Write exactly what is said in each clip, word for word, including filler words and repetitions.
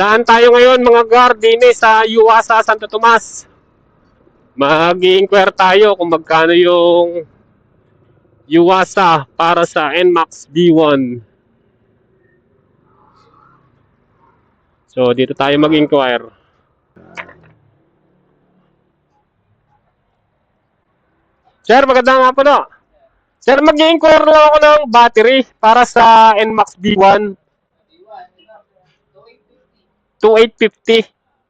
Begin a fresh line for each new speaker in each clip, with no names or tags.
Daan tayo ngayon mga guard din eh, sa Yuasa, Santo Tomas. Mag-i-inquire tayo kung magkano yung Yuasa para sa N MAX B one. So dito tayo mag-inquire. Sir, magandang hapon po. Sir, mag-i-inquire lang ako ng battery para sa N MAX B one. twenty-eight fifty.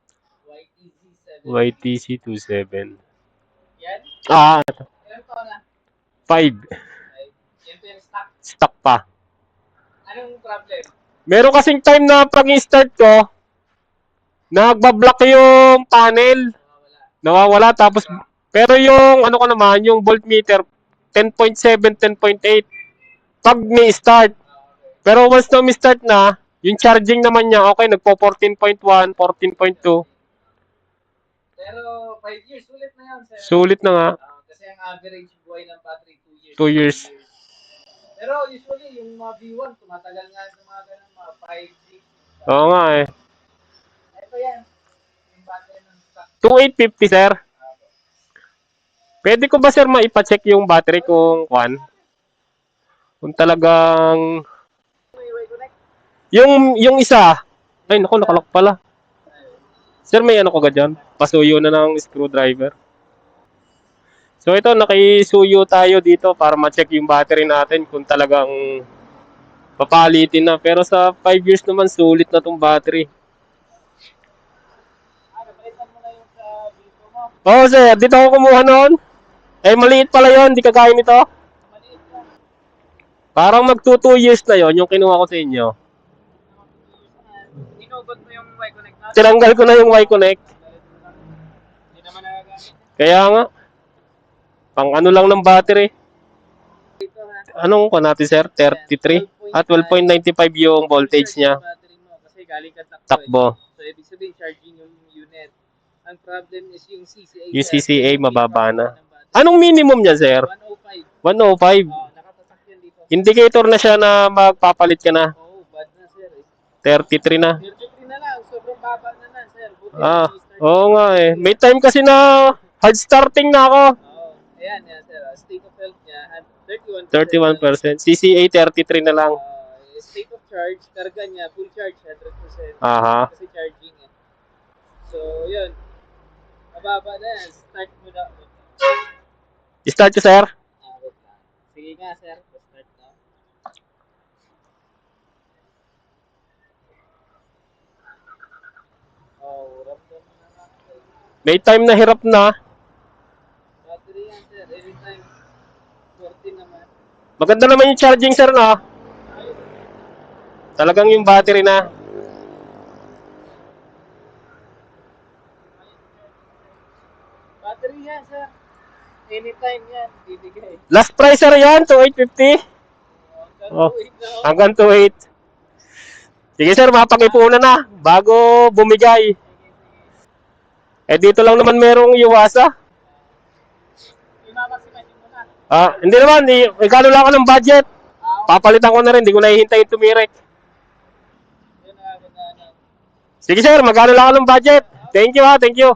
Y T C twenty-seven.
Yan?
Ah,
Ilan taon na?
five.
Yan po yung stock.
Stock pa.
Anong problem?
Meron kasing time na pag i-start ko, nagbablock yung panel. Nawawala. Tapos, pero yung ano ko naman, yung voltmeter, ten point seven, ten point eight. Pag ni-start. Pero once na mi-start na, yung charging naman niya, okay, nagpo fourteen point one, fourteen point two.
Pero five years, sulit na yan, sir.
Sulit na nga.
Uh, kasi ang average buhay ng battery, two years.
two years.
Pero usually, yung mga B one, tumatagal nga sa mga ganun, mga five, six.
Oo nga eh.
Ito yan. Yung battery ng stock.
twenty-eight fifty, sir. Pwede ko ba, sir, maipacheck yung battery kung kwan? Kung talagang... Yung, yung isa. Ay, naku, nakalak pala. Sir, may ano ko ga dyan? Pasuyo na ng screwdriver. So, ito, nakisuyo tayo dito para ma-check yung battery natin kung talagang papalitin na. Pero sa five years naman, sulit na tong battery.
Ah, napalitan mo na yung sa dito mo.
Oo, sir. Dito ako kumuha noon. Eh, maliit pala yun. Di kagaya nito.
Maliit lang.
Parang mag two years na yon yung kinuha ko sa inyo.
Inugot mo yung Y-Connect natin.
Tinanggal ko na yung Y-Connect.
Hindi naman nagagamit.
Kaya nga. Pang ano lang ng battery.
Ito ha.
Anong ko natin, sir? thirty-three? At twelve point nine five yung voltage niya.
Battery mo kasi galing ka takbo.
Takbo.
So, ibig sabihin, charging yung unit. Ang problem is yung C C A.
Yung C C A mababa na. Anong minimum niya, sir?
one oh five.
one oh five.
Oh, nakatatak yan dito.
Indicator na siya na magpapalit ka na.
Oh, bad na, sir. Eh.
thirty-three na.
thirty-three na lang. Sobrang baba na na, sir. Buti
Ah,
na
oo nga eh. May time kasi na hard starting na ako.
Oh, ayan, yan, sir. State of health niya, thirty-one percent.
thirty-one percent. C C A thirty-three na lang.
Uh, state of charge, karga niya, full charge, one hundred percent.
Aha.
Kasi charging eh. So, yun. Mababa na yan. Start mo na.
Start ko, sir.
Ah, wait lang. Sige nga, sir. Start na. Oh, ramdam na lang.
May time na hirap na.
Battery yan, sir. Anytime. fourteen naman.
Maganda naman yung charging, sir, no? Talagang yung battery na.
Battery yan, sir. Anytime yan. Bibigay.
Last price, sir, yan. twenty-eight fifty.
Oh,
Oh, hanggang twenty-eight. Sige, sir, mapag-ipunan na bago bumigay. Eh, dito lang naman merong Yuasa.
Imamaximin mo na.
Ah, hindi naman. Igano lang ako ng budget. Papalitan ko na rin. Hindi ko na hihintayin tumirek.
Yun na, yun na, yun.
Sige, sir. Magkano lang ako ng budget. Thank you, ha. Thank you.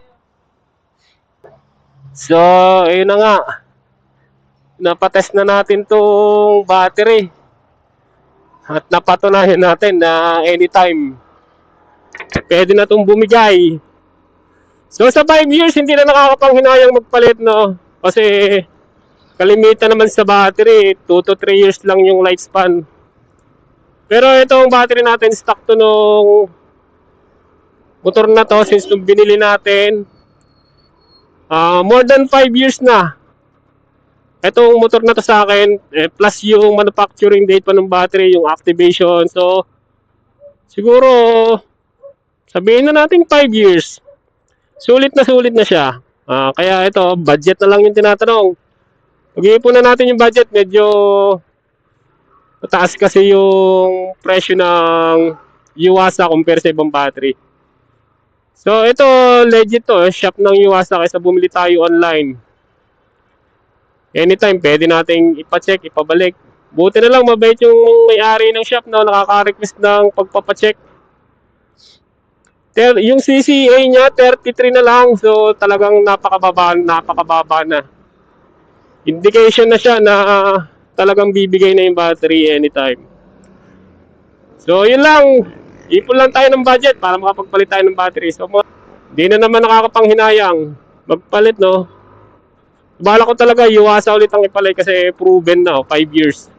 So, ayun na nga. Napatest na natin tong battery. At napatunayan natin na anytime pwede na itong bumigay. So sa five years, hindi na nakakapanghinayang magpalit, no? Kasi kalimitan naman sa battery, two to three years lang yung lifespan. Pero itong battery natin, stock to nung motor na to since nung binili natin. Uh, more than five years na. Itong motor na to sa akin, eh, plus yung manufacturing date pa ng battery, yung activation. So, siguro, sabihin na natin five years. Sulit na sulit na siya. Uh, kaya ito, budget na lang yung tinatanong. Pag-iipon na natin yung budget, medyo mataas kasi yung presyo ng Yuasa compare sa ibang battery. So, ito, legit to. Shop ng Yuasa kaysa bumili tayo online. Anytime, pwede nating ipacheck, ipabalik. Buti na lang, mabait yung may-ari ng shop na nakaka-request ng pagpapacheck. Ter, yung C C A niya, thirty-three na lang. So, talagang napakababa, napakababa na. Indication na siya na uh, talagang bibigay na yung battery anytime. So, yun lang. Ipon lang tayo ng budget para makapagpalit tayo ng battery. So, di na naman nakakapanghinayang magpalit, no? Bala ko talaga, iwasa ulit ang ipalay kasi proven na, oh, five years.